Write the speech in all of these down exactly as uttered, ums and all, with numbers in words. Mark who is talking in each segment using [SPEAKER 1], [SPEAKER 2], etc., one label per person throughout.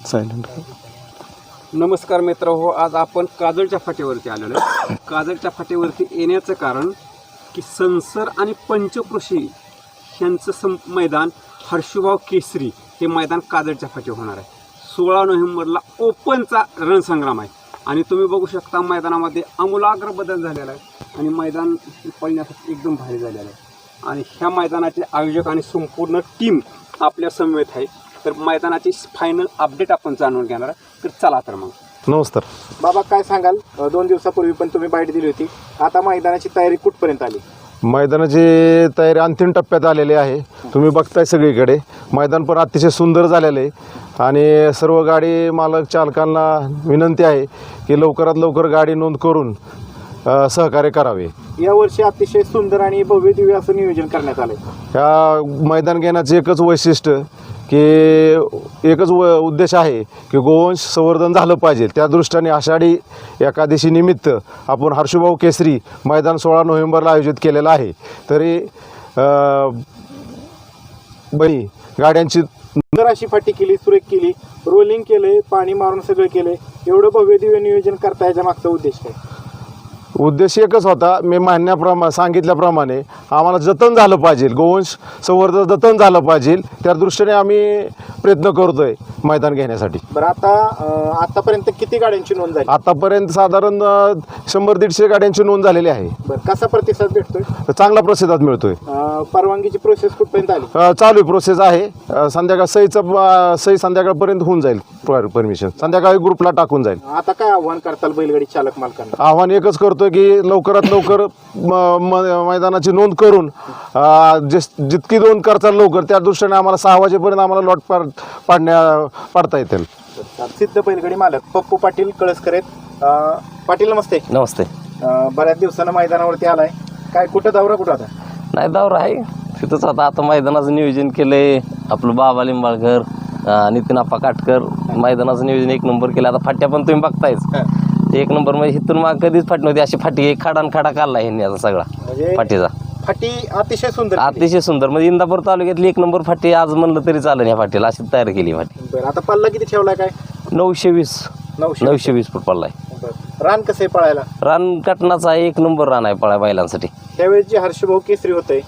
[SPEAKER 1] Silent.
[SPEAKER 2] नमस्कार मित्र हो, आज आपण काजळच्या फाट्यावरती आलेलो आहे. काजळच्या फाट्यावरती येण्याचं कारण की संसर आणि पंचकृषी यांचं सं मैदान हर्षुभाऊ केसरी हे मैदान काजळच्या फाट्यावर होणार आहे. सोळा नोव्हेंबरला ओपनचा रणसंग्राम आहे आणि तुम्ही बघू शकता मैदानामध्ये आमूलाग्र बदल झालेला आहे आणि मैदान पळण्यासाठी एकदम भारी झालेलं आहे. आणि ह्या मैदानाचे आयोजक आणि संपूर्ण टीम आपल्या समवेत आहे. तर मैदानाची फायनल अपडेट आपण जाणून घेणार आहे. तर चला तर मग.
[SPEAKER 1] नमस्कार
[SPEAKER 3] बाबा, काय सांगाल? दोन दिवसापूर्वी पण तुम्ही बाईट दिली होती, आता मैदानाची तयारी कुठपर्यंत आली?
[SPEAKER 1] मैदानाची तयारी अंतिम टप्प्यात आलेली आहे. तुम्ही बघताय सगळीकडे मैदान पण अतिशय सुंदर झालेलं आहे आणि सर्व गाडी मालक चालकांना विनंती आहे की लवकरात लवकर गाडी नोंद करून अ, सहकार्य करावे.
[SPEAKER 3] यावर्षी अतिशय सुंदर आणि भव्य दिव्य असं नियोजन करण्यात आलंय.
[SPEAKER 1] ह्या मैदान घेण्याचं एकच वैशिष्ट्य की एकच व उद्देश आहे की गोवंश संवर्धन झालं पाहिजे. त्या दृष्टीने आषाढी एकादशी निमित्त आपण हर्षुभाऊ केसरी मैदान सोळा नोव्हेंबरला आयोजित केलेलं आहे. तरी बरी गाड्यांची
[SPEAKER 3] सुंदर अशी फाटी केली, सुरेख केली, रोलिंग केले, पाणी मारून सगळं केले. एवढं भव्य दिव्य नियोजन करता याच्या मागचा उद्देश काय?
[SPEAKER 1] उद्देश एकच होता, मी म्हणण्याप्रमा सांगितल्याप्रमाणे आम्हाला जतन झालं पाहिजे, गोवंश संवर्धन जतन झालं पाहिजे. त्या दृष्टीने आम्ही प्रयत्न करतो आहे मैदान घेण्यासाठी.
[SPEAKER 3] बरं, आता आतापर्यंत किती गाड्यांची नोंद झाली?
[SPEAKER 1] आतापर्यंत साधारण शंभर दीडशे गाड्यांची नोंद झालेली आहे.
[SPEAKER 3] बरं, कसा प्रतिसाद भेटतोय?
[SPEAKER 1] चांगला प्रतिसाद मिळतोय.
[SPEAKER 3] परवानगीची प्रोसेस कुठपर्यंत आली?
[SPEAKER 1] चालू प्रोसेस आहे. संध्याकाळ सहीचं सही संध्याकाळपर्यंत होऊन जाईल. परमिशन संध्याकाळी ग्रुपला टाकून जाईल.
[SPEAKER 3] आता काय आव्हान करताल बैलगाडी चालक मालकांना?
[SPEAKER 1] आव्हान एकच करतो की लवकरात लवकर मैदानाची नोंद करून जितकी नोंद करताल लवकर, त्या दृष्टीने आम्हाला सहा वाजेपर्यंत आम्हाला लॉट पाडण्या पाडता येतील.
[SPEAKER 3] सिद्ध बैलगाडी मालक पप्पू पाटील कळसकर आहेत. पाटील नमस्ते.
[SPEAKER 4] नमस्ते.
[SPEAKER 3] बऱ्याच दिवसानं मैदानावरती आलाय, काय कुठं दौरा कुठं आता?
[SPEAKER 4] नाही, दौरा आहे तिथंच. आता आता मैदानाचं नियोजन केलंय आपलं बाबा लिंबाळकर, नितीन आप्पा काटकर. मैदानाचं नियोजन एक नंबर केलं. आता फाट्या पण तुम्ही बघतायच एक नंबर. म्हणजे इथून मग कधीच फाटी नव्हती अशी फाटी, एक खाडान खाडा काढला ह्यांनी आता सगळा फाटीचा.
[SPEAKER 3] फाटी अतिशय सुंदर,
[SPEAKER 4] अतिशय सुंदर. म्हणजे इंदापूर तालुक्यातली एक नंबर फाटी आज म्हणलं तरी चालेल. ह्या फाटीला अशी तयार केली फाटी.
[SPEAKER 3] बरं, आता पल्ला किती ठेवलाय? काय
[SPEAKER 4] नऊशे वीस
[SPEAKER 3] नऊशे
[SPEAKER 4] नऊशे वीस फूट पडलाय.
[SPEAKER 3] रान कसं आहे पळायला?
[SPEAKER 4] रान कटनाचा एक नंबर रान आहे पळा बैलांसाठी.
[SPEAKER 3] त्यावेळेस जे हर्षभाऊ केसरी होते,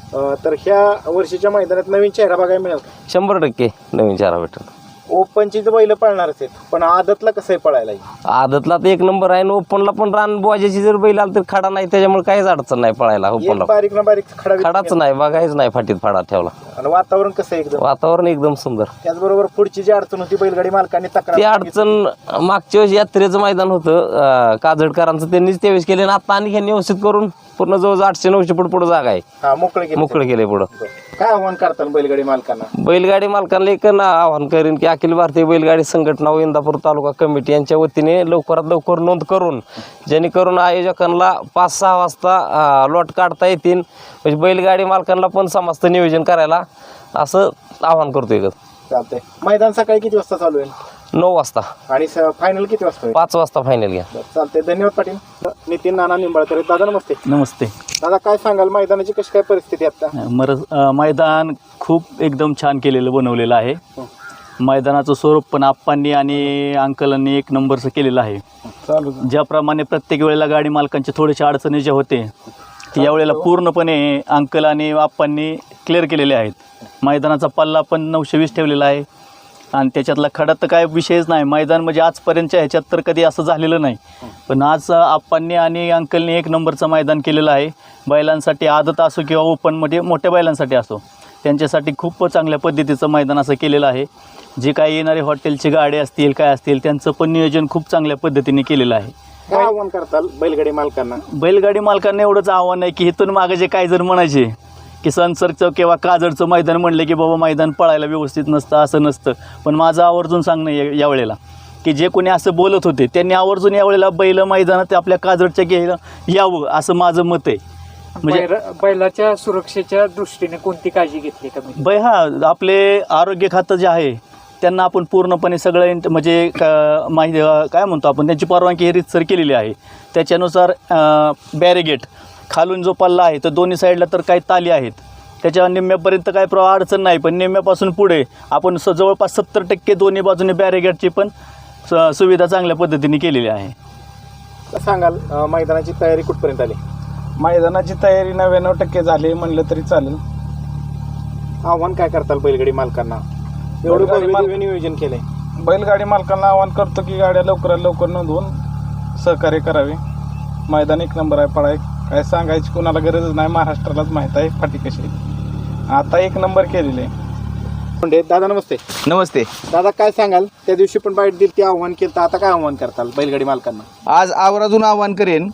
[SPEAKER 3] तर ह्या वर्षीच्या मैदानात नवीन चेहरा बघायला मिळेल?
[SPEAKER 4] शंभर टक्के नवीन चारा भेटेल.
[SPEAKER 3] ओपनची तर बैल पळणारच आहेत, पण आदतला कसं आहे पळायला?
[SPEAKER 4] आदतला तर एक नंबर आहे. ओपनला पण रान बोजाची जर बैल आला तर खडा नाही, त्याच्यामुळे काहीच अडचण नाही पळायला. ओपनला
[SPEAKER 3] बारीक ना बारीक खडा
[SPEAKER 4] खडाच नाही, बघायच नाही फाटीत फाडा ठेवला.
[SPEAKER 3] आणि वातावरण कसं आहे? एकदम
[SPEAKER 4] वातावरण एकदम सुंदर.
[SPEAKER 3] त्याचबरोबर पुढची जी अडचण होती बैलगाडी मालकांनी तक्रार,
[SPEAKER 4] ती अडचण मागच्या वेळेस यात्रेचं मैदान होतं काजळकरांचं, त्यांनीच त्यावेळेस केले आणि आता आणि ह्यांनी व्यवस्थित करून पूर्ण जवळजवळ आठशे नऊशे फूट पुढे जागा आहे,
[SPEAKER 3] मोकळे
[SPEAKER 4] मोकळं केले पुढं.
[SPEAKER 3] काय आव्हान करतात बैलगाडी मालकांना?
[SPEAKER 4] बैलगाडी मालकांना एक आवाहन करेन की अखिल भारतीय बैलगाडी संघटना व इंदापूर तालुका कमिटी यांच्या वतीने लवकरात लवकर नोंद करून, जेणेकरून आयोजकांना पाच सहा वाजता लॉट काढता येतील. म्हणजे बैलगाडी मालकांना पण समस्त नियोजन करायला असं आवाहन करतोय.
[SPEAKER 3] चालतंय. मैदान सकाळी किती वाजता चालू आहे?
[SPEAKER 4] नऊ वाजता.
[SPEAKER 3] आणि फायनल किती वाजता?
[SPEAKER 4] पाच वाजता फायनल घ्या.
[SPEAKER 3] चालतंय, धन्यवाद पाटील. नितीन नाना निंबाळकर. दादा नमस्ते.
[SPEAKER 5] नमस्ते
[SPEAKER 3] दादा, काय सांगाल मैदानाची कशी काय परिस्थिती आता?
[SPEAKER 5] मर मैदान खूप एकदम छान केलेलं बनवलेलं आहे. मैदानाचं स्वरूप पण आप्पांनी आणि अंकलांनी एक नंबरचं केलेलं आहे. ज्याप्रमाणे प्रत्येक वेळेला गाडी मालकांचे थोडेसे अडचणी जे होते ते यावेळेला पूर्णपणे अंकल आणि आप्पांनी क्लिअर केलेले आहेत. मैदानाचा पल्ला पण नऊशे वीस ठेवलेला आहे आणि त्याच्यातला खडा तर काय विषयच नाही. मैदान म्हणजे आजपर्यंतच्या ह्याच्यात तर कधी असं झालेलं नाही, पण आज आप्पांनी आणि अंकलनी एक नंबरचं मैदान केलेलं आहे. बैलांसाठी आदत असो किंवा ओपनमध्ये मोठ्या बैलांसाठी असो, त्यांच्यासाठी खूप चांगल्या पद्धतीचं मैदान असं केलेलं आहे. जे काही येणारे हॉटेलचे गाडे असतील काय असतील त्यांचं पण नियोजन खूप चांगल्या पद्धतीने केलेलं आहे.
[SPEAKER 3] काय आव्हान करताल बैलगाडी मालकांना?
[SPEAKER 5] बैलगाडी मालकांना एवढंच आव्हान आहे की इथून मागे जे काही जर म्हणायचे की संसरचं किंवा काजळचं मैदान म्हणले की बाबा मैदान पळायला व्यवस्थित नसतं, असं नसतं. पण माझं आवर्जून सांगणं या यावेळेला की जे कोणी असं बोलत होते त्यांनी आवर्जून यावेळेला बैल मैदानात आपल्या काजळच्या घ्यायला यावं असं माझं मत आहे.
[SPEAKER 6] म्हणजे बैलाच्या सुरक्षेच्या दृष्टीने कोणती काळजी घेतली का?
[SPEAKER 5] बै हा आपले आरोग्य खातं जे आहे त्यांना आपण पूर्णपणे सगळं म्हणजे माहिती काय म्हणतो आपण त्यांची परवानगी ही रीतसर केलेली आहे. त्याच्यानुसार बॅरिगेट खालून जो पल्ला आहे तर दोन्ही साईडला तर काही ताली आहेत त्याच्या निम्म्यापर्यंत काय प्र अडचण नाही, पण निम्म्यापासून पुढे आपण स जवळपास सत्तर टक्के दोन्ही बाजूने बॅरिगेडची पण स सुविधा चांगल्या पद्धतीने केलेली आहे.
[SPEAKER 3] सांगाल अं, मैदानाची तयारी कुठपर्यंत आली?
[SPEAKER 7] मैदानाची तयारी नव्याण्णव टक्के झाली म्हणलं तरी चालेल.
[SPEAKER 3] आव्हान काय करताल बैलगाडी मालकांना? एवढं
[SPEAKER 7] बैलगाडी
[SPEAKER 3] भव्य
[SPEAKER 7] माल-
[SPEAKER 3] दिव्य नियोजन केलंय.
[SPEAKER 7] बैलगाडी मालकांना आवाहन करतो की गाड्या लवकरात लवकर नोंदवून सहकार्य करावे. मैदान एक नंबर आहे, पळाय काय सांगायची कोणाला गरज नाही, महाराष्ट्रालाच माहीत आहे फाटी कशी आहे. आता एक नंबर केलेले आहे.
[SPEAKER 3] म्हणजे दादा नमस्ते.
[SPEAKER 8] नमस्ते.
[SPEAKER 3] दादा काय सांगाल, त्या दिवशी पण बाईट दिली ती आव्हान केलं, तर आता काय आव्हान करताल बैलगाडी मालकांना?
[SPEAKER 8] आज आवर्जून आवाहन करेन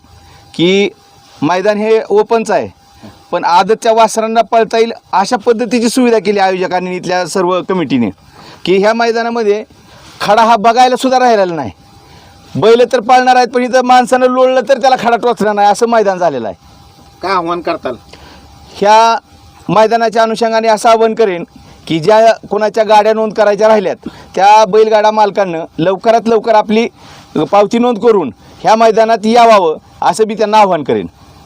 [SPEAKER 8] की मैदान हे ओपनचं आहे, पण आदतच्या वासरांना पळता येईल अशा पद्धतीची सुविधा केली आयोजकांनी इथल्या सर्व कमिटीने, की ह्या मैदानामध्ये खडा हा बघायला सुद्धा राहिलेला नाही. बैल तर पाळणार आहेत, पण इथं माणसानं लोळलं तर त्याला खडा टोचणार नाही असं मैदान झालेलं आहे.
[SPEAKER 3] काय आव्हान करताल?
[SPEAKER 8] ह्या मैदानाच्या अनुषंगाने असं आवाहन करेन की ज्या कोणाच्या गाड्या नोंद करायच्या राहिल्यात त्या बैलगाडा मालकांना लवकरात लवकर आपली पावती नोंद करून ह्या मैदानात यावावं असं मी त्यांना आवाहन करेन.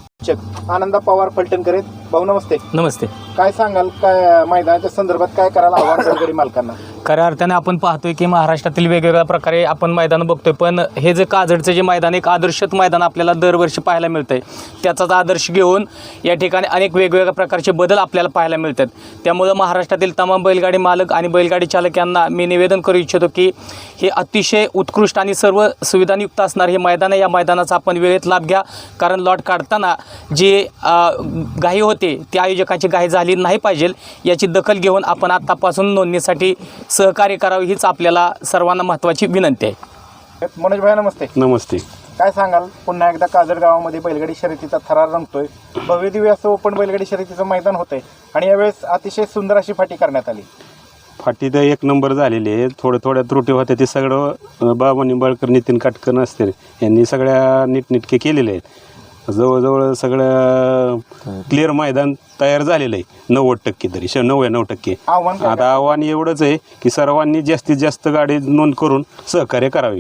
[SPEAKER 3] चक आनंदा पवार फलटण करेत. भाऊ नमस्ते.
[SPEAKER 9] नमस्ते.
[SPEAKER 3] काय सांगाल, काय मैदानाच्या संदर्भात काय करायला आव्हान बैलगाडी मालकांना?
[SPEAKER 9] खऱ्या अर्थाने आपण पाहतोय की महाराष्ट्रातील वेगवेगळ्या प्रकारे आपण मैदान बघतोय, पण हे जे काजडचं जे मैदान एक आदर्शत मैदान आपल्याला दरवर्षी पाहायला मिळतंय, त्याचाच आदर्श घेऊन या ठिकाणी अनेक वेगवेगळ्या प्रकारचे बदल आपल्याला पाहायला मिळतात. त्यामुळं महाराष्ट्रातील तमाम बैलगाडी मालक आणि बैलगाडी चालक यांना मी निवेदन करू इच्छितो की हे अतिशय उत्कृष्ट आणि सर्व सुविधांयुक्त असणार हे मैदान आहे. या मैदानाचा आपण वेळेत लाभ घ्या, कारण लॉट काढताना जी घाई होते ती आयोजकांची घाई झाली नाही पाहिजे याची दखल घेऊन आपण आत्तापासून नोंदणीसाठी सहकार्य करावे हीच आपल्याला सर्वांना महत्त्वाची विनंती आहे.
[SPEAKER 3] मनोज भाई नमस्ते.
[SPEAKER 1] नमस्ते.
[SPEAKER 3] काय सांगाल, पुन्हा एकदा काजड गावामध्ये बैलगाडी शर्यतीचा थरार रंगतोय. भव्य दिव्य असं ओपन बैलगाडी शर्यतीचं मैदान होतंय आणि यावेळेस अतिशय सुंदर अशी फाटी करण्यात आली.
[SPEAKER 10] फाटी तर एक नंबर झालेली आहे. थोड्या थोड्या त्रुटी होत्या ते सगळं बाबा निंबाळकर, नितीन काटकर असते यांनी सगळ्या नीटनेटके केलेले आहेत. जवळजवळ सगळं क्लिअर मैदान तयार झालेलं आहे नव्वद टक्के तरी श नव्याण्णव टक्के.
[SPEAKER 3] आव्हान काय
[SPEAKER 10] आता आव्हान एवढंच आहे की सर्वांनी जास्तीत जास्त गाडी नोंद करून सहकार्य करावे.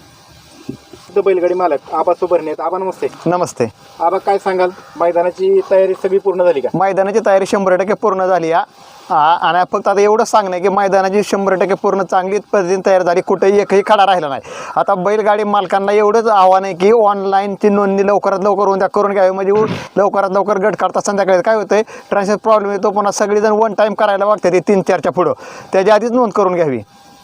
[SPEAKER 3] बैलगाडी मालक आबा सुबर्णे आहेत. आबा नमस्ते.
[SPEAKER 11] नमस्ते.
[SPEAKER 3] आबा काय सांगाल, मैदानाची तयारी सगळी पूर्ण झाली का?
[SPEAKER 11] मैदानाची तयारी शंभर टक्के पूर्ण झाली या आणि फक्त आता एवढंच सांगणं की मैदानाची शंभर टक्के पूर्ण चांगली पद्धतीने तयार झाली, कुठेही एकही खडा राहिला नाही. आता बैलगाडी मालकांना एवढंच आव्हान आहे की ऑनलाईनची नोंदणी लवकरात लवकर होऊन त्या करून घ्यावी, म्हणजे लवकरात लवकर गट काढता संध्याकाळी काय होतं ट्रान्सफर प्रॉब्लेम येतो, पुन्हा सगळेजण वन टाईम करायला बघते ते तीन चारच्या पुढं, त्याच्या आधीच नोंद करून घ्यावी.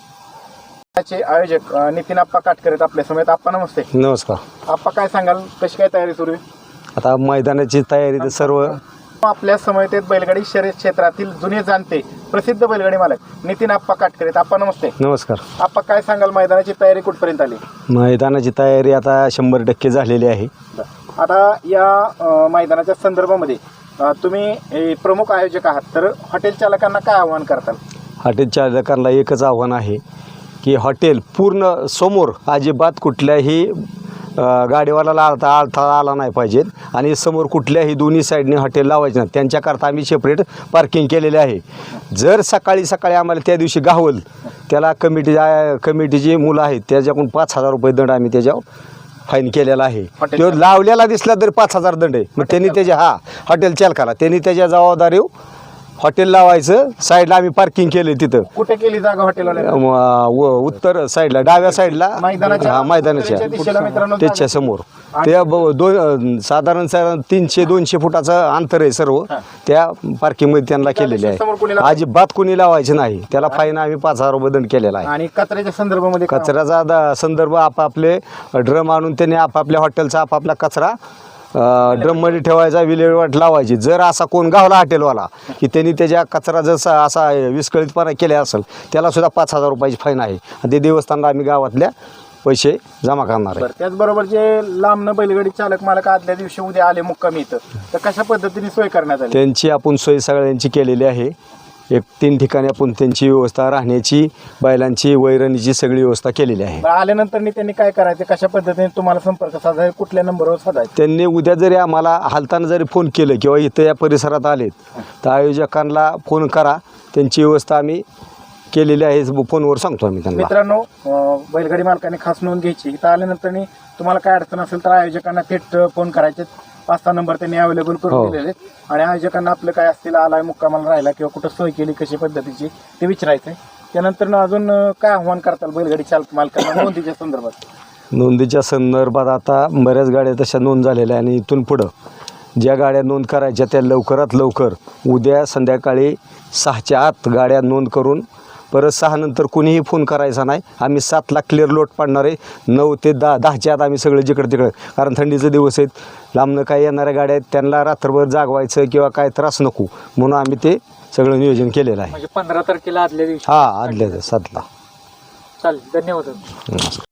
[SPEAKER 3] त्याचे आयोजक अं, नितीन आप्पा काटकर आहेत आपल्या समेत. आप्पा नमस्ते.
[SPEAKER 12] नमस्कार.
[SPEAKER 3] आप्पा काय सांगाल, कशी काय तयारी सुरू आहे?
[SPEAKER 12] आता मैदानाची तयारी तर सर्व
[SPEAKER 3] आपल्या समेत आहेत बैलगाडी शर्यत क्षेत्रातील जुने जाणते प्रसिद्ध बैलगाडी मालक नितीन आप्पा काटकर आहेत. आप्पा नमस्ते.
[SPEAKER 12] नमस्कार.
[SPEAKER 3] आप्पा काय सांगाल, मैदानाची तयारी कुठपर्यंत आली?
[SPEAKER 12] मैदानाची तयारी आता शंभर टक्के झालेली आहे.
[SPEAKER 3] आता या अं, मैदानाच्या संदर्भामध्ये अं, तुम्ही हे प्रमुख आयोजक आहात, तर हॉटेल चालकांना काय आव्हान करताल?
[SPEAKER 12] हॉटेल चालकांना एकच आव्हान आहे की हॉटेल पूर्ण समोर अजिबात कुठल्याही गाडीवाल्याला अडथळा अडथळा आला नाही पाहिजेत आणि समोर कुठल्याही दोन्ही साईडने हॉटेल लावायचे नाही. त्यांच्याकरता आम्ही सेपरेट पार्किंग केलेले आहे. जर सकाळी सकाळी आम्हाला त्या दिवशी गावल त्याला कमिटी कमिटीची मुलं आहेत त्याच्याकडून पाच हजार रुपये दंड आम्ही त्याच्यावर फाईन केलेला आहे. तो लावलेला दिसला तरी पाच हजार दंड आहे. मग त्यांनी त्याच्या हा हॉटेल चालकाला त्यांनी त्याच्या जबाबदारी हॉटेल लावायचं, साईडला आम्ही पार्किंग केले तिथं.
[SPEAKER 3] कुठे केली जागा हॉटेलवाल्या?
[SPEAKER 12] उत्तर साईडला डाव्या साईडला हा मैदानाच्या त्याच्या समोर त्या दोन साधारण तीनशे दोनशे फुटाचं अंतर आहे सर्व त्या पार्किंगमध्ये त्यांना केलेले आहे. अजिबात कोणी लावायचं नाही, त्याला फाईन आम्ही पाच हजार रुपये दंड केलेला आहे.
[SPEAKER 3] आणि कचऱ्याच्या संदर्भामध्ये
[SPEAKER 12] कचऱ्याचा संदर्भ आपापले ड्रम आणून त्यांनी आपापल्या हॉटेलचा आपापला कचरा ड्रममध्ये ठेवायचा, विल्हेवाट लावायची. जर असा कोण गावला हॉटेलवाला की त्यांनी त्याच्या कचरा जसा असा विस्कळीतपणा केला असेल त्याला सुद्धा पाच हजार रुपयाची फाईन आहे आणि ते देवस्थानला आम्ही गावातल्या पैसे जमा करणार आहे.
[SPEAKER 3] त्याचबरोबर जे लांबनं बैलगाडी चालक मालक आदल्या दिवशी उद्या आले मुक्कामी इथं, तर कशा पद्धतीने सोय करण्यात आली?
[SPEAKER 12] त्यांची आपण सोय सगळ्यांची केलेली आहे. एक तीन ठिकाणी आपण त्यांची व्यवस्था, राहण्याची, बैलांची, वैरणीची सगळी व्यवस्था केलेली आहे.
[SPEAKER 3] आल्यानंतर त्यांनी काय करायचं, कशा पद्धतीने तुम्हाला संपर्क साधायचा, कुठल्या नंबरवर साधायचा?
[SPEAKER 12] त्यांनी उद्या जरी आम्हाला हालताना जरी फोन केलं किंवा इथं या परिसरात आलेत तर आयोजकांना फोन करा, त्यांची व्यवस्था आम्ही केलेली आहे. फोनवर सांगतो आम्ही त्यांना.
[SPEAKER 3] मित्रांनो, बैलगाडी मालकाने खास नोंद घ्यायची. इथं आल्यानंतर तुम्हाला काय अडचण असेल तर आयोजकांना थेट फोन करायचे. पाच सहा नंबर त्यांनी अवेलेबल
[SPEAKER 12] हो.
[SPEAKER 3] करून दिलेले आहेत. आणि आयोजकांना आपलं काय असतील आलाय मुक्कामाला राहिला किंवा कुठं सोय केली कशी पद्धतीची ते विचारायचं आहे. त्यानंतर अजून अं, काय आव्हान करताल बैलगाडी चालक मालकांना नोंदीच्या संदर्भात?
[SPEAKER 12] नोंदीच्या संदर्भात आता बऱ्याच गाड्या तशा नोंद झालेल्या आहे आणि इथून पुढं ज्या गाड्या नोंद करायच्या त्या लवकरात लवकर उद्या संध्याकाळी सहाच्या आत गाड्या नोंद करून परत सहा नंतर कुणीही फोन करायचा नाही. आम्ही सातला क्लिअर लोट पाडणार आहे. नऊ ते दहा दहाच्या आत आम्ही सगळे जिकडं तिकडं, कारण थंडीचे दिवस आहेत, लांबनं काही येणाऱ्या गाड्या आहेत त्यांना रात्रभर जागवायचं किंवा काय त्रास नको म्हणून आम्ही ते सगळं नियोजन केलेलं आहे.
[SPEAKER 6] म्हणजे पंधरा तारखेला आदल्या दिवशी
[SPEAKER 12] हां आदल्या सातला.
[SPEAKER 6] चालेल, धन्यवाद.
[SPEAKER 12] नमस्कार.